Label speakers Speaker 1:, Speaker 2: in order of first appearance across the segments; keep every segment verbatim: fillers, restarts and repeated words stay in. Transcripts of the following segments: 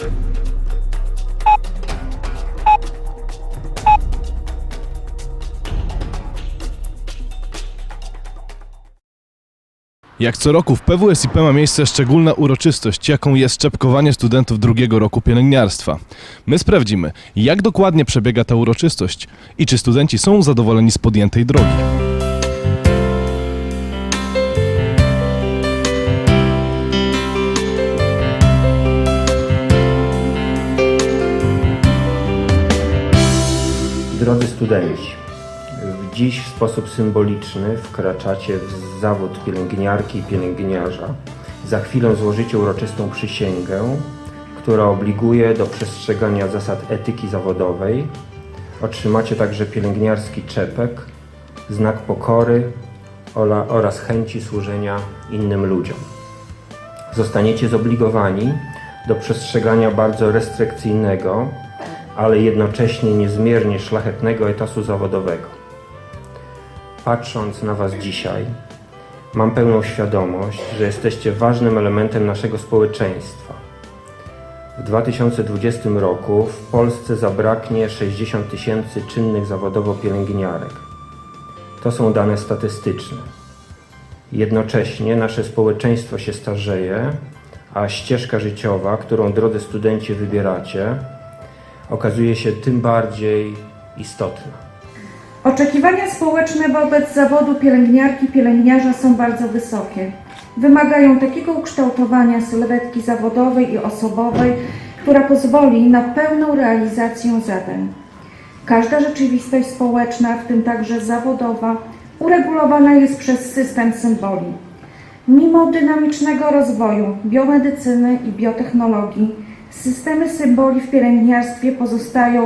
Speaker 1: Jak co roku w P W S I P ma miejsce szczególna uroczystość, jaką jest szczepkowanie studentów drugiego roku pielęgniarstwa. My sprawdzimy, jak dokładnie przebiega ta uroczystość i czy studenci są zadowoleni z podjętej drogi.
Speaker 2: Drodzy studenci, dziś w sposób symboliczny wkraczacie w zawód pielęgniarki i pielęgniarza. Za chwilę złożycie uroczystą przysięgę, która obliguje do przestrzegania zasad etyki zawodowej. Otrzymacie także pielęgniarski czepek, znak pokory oraz chęci służenia innym ludziom. Zostaniecie zobligowani do przestrzegania bardzo restrykcyjnego, ale jednocześnie niezmiernie szlachetnego etosu zawodowego. Patrząc na Was dzisiaj, mam pełną świadomość, że jesteście ważnym elementem naszego społeczeństwa. W dwa tysiące dwudziestym roku w Polsce zabraknie sześćdziesiąt tysięcy czynnych zawodowo pielęgniarek. To są dane statystyczne. Jednocześnie nasze społeczeństwo się starzeje, a ścieżka życiowa, którą drodzy studenci wybieracie, okazuje się tym bardziej istotna.
Speaker 3: Oczekiwania społeczne wobec zawodu pielęgniarki, pielęgniarza są bardzo wysokie. Wymagają takiego ukształtowania sylwetki zawodowej i osobowej, która pozwoli na pełną realizację zadań. Każda rzeczywistość społeczna, w tym także zawodowa, uregulowana jest przez system symboli. Mimo dynamicznego rozwoju biomedycyny i biotechnologii, systemy symboli w pielęgniarstwie pozostają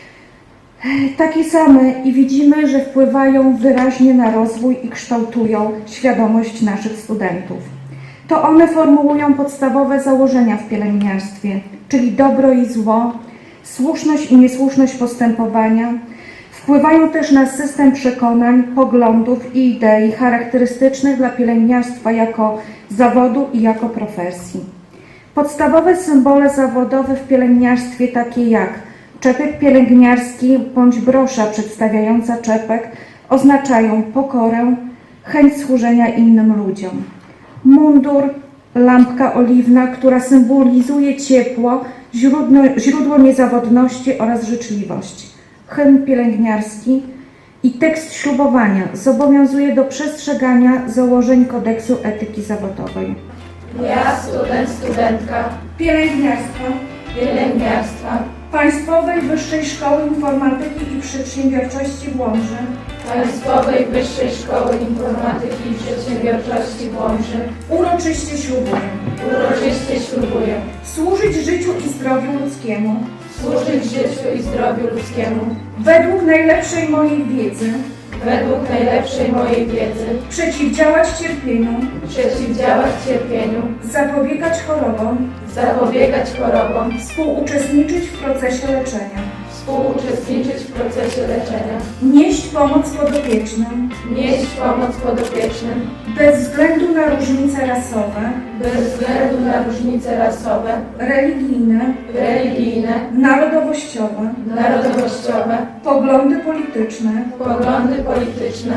Speaker 3: takie same i widzimy, że wpływają wyraźnie na rozwój i kształtują świadomość naszych studentów. To one formułują podstawowe założenia w pielęgniarstwie, czyli dobro i zło, słuszność i niesłuszność postępowania. Wpływają też na system przekonań, poglądów i idei charakterystycznych dla pielęgniarstwa jako zawodu i jako profesji. Podstawowe symbole zawodowe w pielęgniarstwie, takie jak czepek pielęgniarski bądź brosza przedstawiająca czepek, oznaczają pokorę, chęć służenia innym ludziom. Mundur, lampka oliwna, która symbolizuje ciepło, źródło, źródło niezawodności oraz życzliwość. Hymn pielęgniarski i tekst ślubowania zobowiązuje do przestrzegania założeń kodeksu etyki zawodowej.
Speaker 4: Ja, student, studentka
Speaker 3: Pielęgniarstwa
Speaker 4: pielęgniarstwa
Speaker 3: Państwowej Wyższej Szkoły Informatyki i Przedsiębiorczości w Łomży
Speaker 4: Państwowej Wyższej Szkoły Informatyki i Przedsiębiorczości w Łomży
Speaker 3: uroczyście ślubuję
Speaker 4: uroczyście ślubuję
Speaker 3: służyć życiu i zdrowiu ludzkiemu
Speaker 4: służyć życiu i zdrowiu ludzkiemu
Speaker 3: według najlepszej mojej wiedzy,
Speaker 4: według najlepszej mojej wiedzy,
Speaker 3: przeciwdziałać cierpieniu,
Speaker 4: przeciwdziałać cierpieniu,
Speaker 3: zapobiegać chorobom,
Speaker 4: zapobiegać chorobom,
Speaker 3: współuczestniczyć w procesie leczenia,
Speaker 4: współuczestniczyć w procesie leczenia,
Speaker 3: nieść pomoc podopiecznym,
Speaker 4: nieść pomoc podopiecznym,
Speaker 3: bez względu na różnice rasowe,
Speaker 4: bez względu na różnice rasowe,
Speaker 3: religijne,
Speaker 4: religijne,
Speaker 3: narodowościowe,
Speaker 4: narodowościowe,
Speaker 3: poglądy polityczne,
Speaker 4: poglądy polityczne,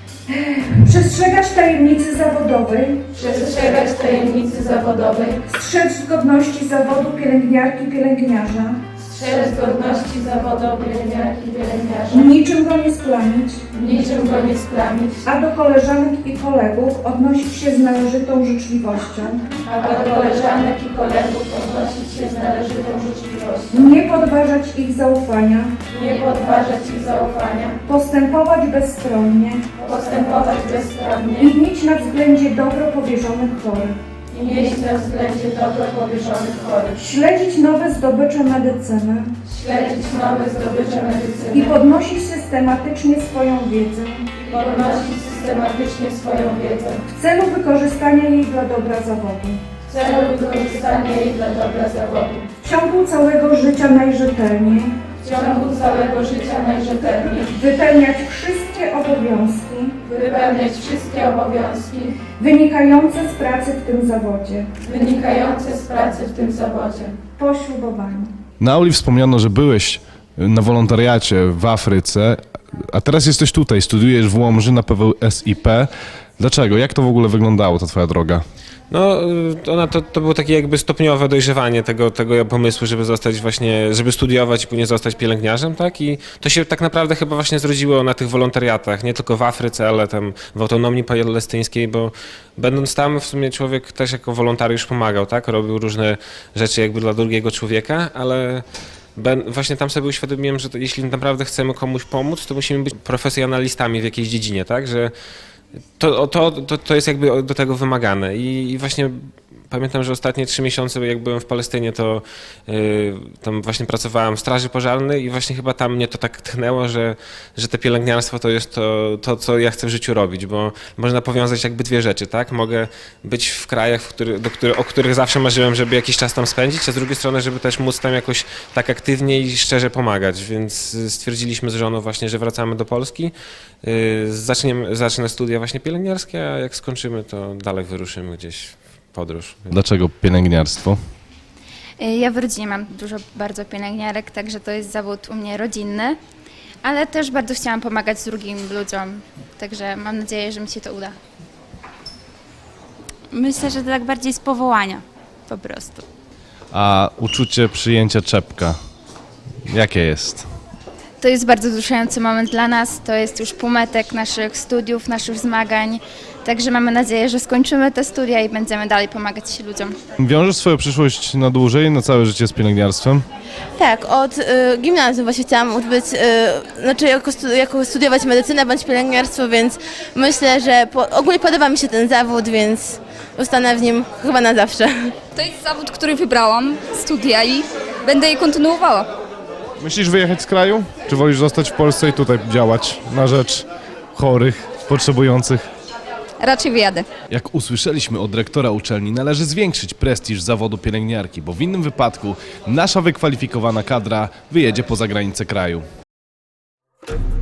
Speaker 3: przestrzegać tajemnicy zawodowej,
Speaker 4: przestrzegać tajemnicy zawodowej,
Speaker 3: strzec godności zawodu pielęgniarki, pielęgniarza,
Speaker 4: strzec godności zawodu pielęgniarki, pielęgniarza,
Speaker 3: niczym go nie splamić,
Speaker 4: niczym go nie splamić,
Speaker 3: a do koleżanek i kolegów odnosić się z należytą życzliwością,
Speaker 4: a do koleżanek i kolegów odnosić się z należytą życzliwością,
Speaker 3: nie podważać ich zaufania,
Speaker 4: nie podważać ich zaufania,
Speaker 3: postępować bezstronnie
Speaker 4: postępować bezstronnie
Speaker 3: i mieć na względzie dobro powierzonych chorych,
Speaker 4: i mieć na względzie dobro powierzonych chorych,
Speaker 3: śledzić nowe zdobycze medycyny
Speaker 4: śledzić nowe zdobycze
Speaker 3: i
Speaker 4: medycyny,
Speaker 3: podnosić systematycznie swoją wiedzę
Speaker 4: podnosić systematycznie swoją wiedzę
Speaker 3: w celu wykorzystania jej dla dobra zawodu.
Speaker 4: w celu wykorzystania jej dla dobra zawodu.
Speaker 3: W ciągu całego życia najrzetelniej
Speaker 4: W ciągu całego życia najrzetelniej
Speaker 3: wypełniać wszystkie obowiązki
Speaker 4: wypełniać wszystkie obowiązki
Speaker 3: wynikające z pracy w tym zawodzie
Speaker 4: wynikające z pracy w tym zawodzie.
Speaker 3: po ślubowaniu.
Speaker 1: Na auli wspomniano, że byłeś na wolontariacie w Afryce, a teraz jesteś tutaj, studiujesz w Łomży na P W S I P. Dlaczego? Jak to w ogóle wyglądało, ta twoja droga?
Speaker 5: No, y, ona to, to było takie jakby stopniowe dojrzewanie tego, tego pomysłu, żeby zostać właśnie, żeby studiować i później zostać pielęgniarzem, tak? I to się tak naprawdę chyba właśnie zrodziło na tych wolontariatach, nie tylko w Afryce, ale tam w autonomii palestyńskiej, bo będąc tam w sumie człowiek też jako wolontariusz pomagał, tak? Robił różne rzeczy jakby dla drugiego człowieka, ale Ben, właśnie tam sobie uświadomiłem, że to, jeśli naprawdę chcemy komuś pomóc, to musimy być profesjonalistami w jakiejś dziedzinie, tak? Że to, to, to, to jest jakby do tego wymagane. I, i właśnie pamiętam, że ostatnie trzy miesiące, jak byłem w Palestynie, to yy, tam właśnie pracowałem w straży pożarnej i właśnie chyba tam mnie to tak tchnęło, że, że te pielęgniarstwo to jest to, to, co ja chcę w życiu robić, bo można powiązać jakby dwie rzeczy, tak? Mogę być w krajach, w który, do który, o których zawsze marzyłem, żeby jakiś czas tam spędzić, a z drugiej strony, żeby też móc tam jakoś tak aktywnie i szczerze pomagać, więc stwierdziliśmy z żoną właśnie, że wracamy do Polski, yy, zaczniemy, zacznę studia właśnie pielęgniarskie, a jak skończymy, to dalej wyruszymy gdzieś podróż.
Speaker 1: Dlaczego pielęgniarstwo?
Speaker 6: Ja w rodzinie mam dużo bardzo pielęgniarek, także to jest zawód u mnie rodzinny, ale też bardzo chciałam pomagać drugim ludziom, także mam nadzieję, że mi się to uda.
Speaker 7: Myślę, że to tak bardziej z powołania po prostu.
Speaker 1: A uczucie przyjęcia czepka, jakie jest?
Speaker 6: To jest bardzo wzruszający moment dla nas, to jest już półmetek naszych studiów, naszych zmagań, także mamy nadzieję, że skończymy te studia i będziemy dalej pomagać ludziom.
Speaker 1: Wiążesz swoją przyszłość na dłużej, na całe życie z pielęgniarstwem?
Speaker 8: Tak, od y, gimnazjum właśnie chciałam odbyć, y, znaczy jako, stu, jako studiować medycynę bądź pielęgniarstwo, więc myślę, że po, ogólnie podoba mi się ten zawód, więc zostanę w nim chyba na zawsze.
Speaker 9: To jest zawód, który wybrałam, studia i będę je kontynuowała.
Speaker 1: Myślisz wyjechać z kraju? Czy wolisz zostać w Polsce i tutaj działać na rzecz chorych, potrzebujących?
Speaker 9: Raczej wyjadę.
Speaker 1: Jak usłyszeliśmy od rektora uczelni, należy zwiększyć prestiż zawodu pielęgniarki, bo w innym wypadku nasza wykwalifikowana kadra wyjedzie poza granice kraju.